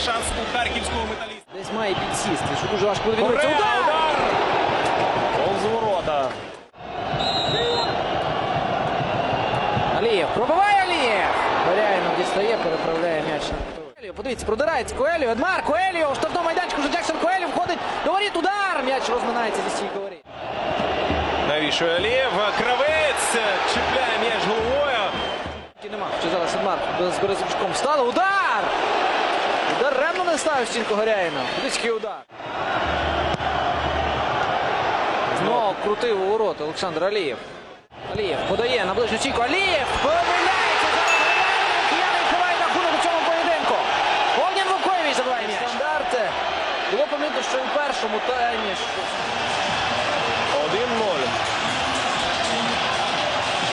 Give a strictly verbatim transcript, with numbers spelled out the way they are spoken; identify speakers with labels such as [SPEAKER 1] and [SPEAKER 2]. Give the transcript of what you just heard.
[SPEAKER 1] шанс у харківського металіста.
[SPEAKER 2] Десь має підсісти, що дуже важко буде відбитися.
[SPEAKER 1] Удар!
[SPEAKER 2] Удар!
[SPEAKER 1] Повз ворота.
[SPEAKER 2] Алієв, пробиває Алієв! Баряїнов дістає, переправляє м'яч на Коеліо. Подивіться, продирається Коеліо, Едмар, Коеліо, у штрафному майданчику вже Джексон Коеліо входить до воріт, удар! М'яч розминається зі стійкою воріт.
[SPEAKER 1] Навішує Алієв, Кравець чіпляє м'яч головою.
[SPEAKER 2] Нема, що зараз Едмар з Березовичком стало, удар! Даремно не ставив стінку Горяїна. Близький удар. Знову крутив у ворота Олександр Алієв. Алієв подає на ближню стійку. Алієв помиляється. Зараз Горяїн. Кияни відкриває рахунок у цьому поєдинку. Огнян Вукович забиває м'яч. Стандарти. Було помітно, що і в першому таймі